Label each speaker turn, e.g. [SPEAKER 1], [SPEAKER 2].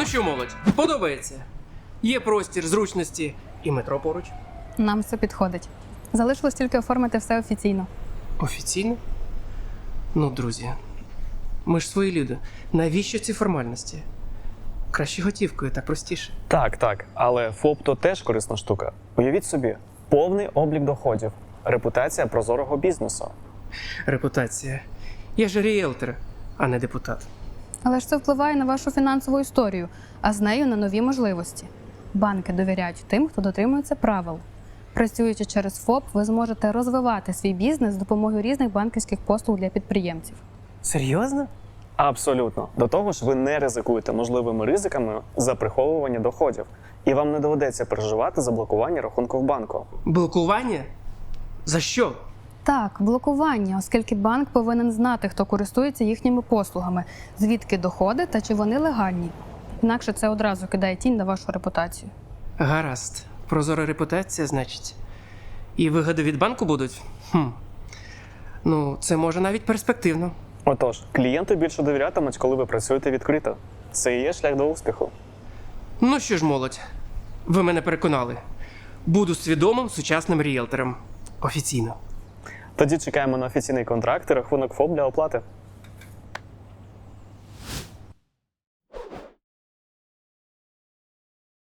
[SPEAKER 1] Ну що, молодь, подобається? Є простір, зручності і метро поруч.
[SPEAKER 2] Нам все підходить. Залишилось тільки оформити все офіційно.
[SPEAKER 1] Офіційно? Ну, друзі, ми ж свої люди. Навіщо ці формальності? Краще готівкою, так простіше.
[SPEAKER 3] Так, але ФОП то теж корисна штука. Уявіть собі, повний облік доходів, репутація прозорого бізнесу.
[SPEAKER 1] Репутація. Я ж ріелтор, а не депутат.
[SPEAKER 2] Але ж це впливає на вашу фінансову історію, а з нею на нові можливості. Банки довіряють тим, хто дотримується правил. Працюючи через ФОП, ви зможете розвивати свій бізнес з допомогою різних банківських послуг для підприємців.
[SPEAKER 1] Серйозно?
[SPEAKER 3] Абсолютно. До того ж, ви не ризикуєте можливими ризиками за приховування доходів. І вам не доведеться переживати за блокування рахунку в банку.
[SPEAKER 1] Блокування? За що?
[SPEAKER 2] Так, блокування, оскільки банк повинен знати, хто користується їхніми послугами, звідки доходи та чи вони легальні. Інакше це одразу кидає тінь на вашу репутацію.
[SPEAKER 1] Гаразд. Прозора репутація, значить. І вигоди від банку будуть? Ну, це може навіть перспективно.
[SPEAKER 3] Отож, клієнти більше довірятимуть, коли ви працюєте відкрито. Це і є шлях до успіху.
[SPEAKER 1] Ну що ж, молодь, ви мене переконали. Буду свідомим сучасним ріелтором. Офіційно.
[SPEAKER 3] Тоді чекаємо на офіційний контракт і рахунок ФОП для оплати.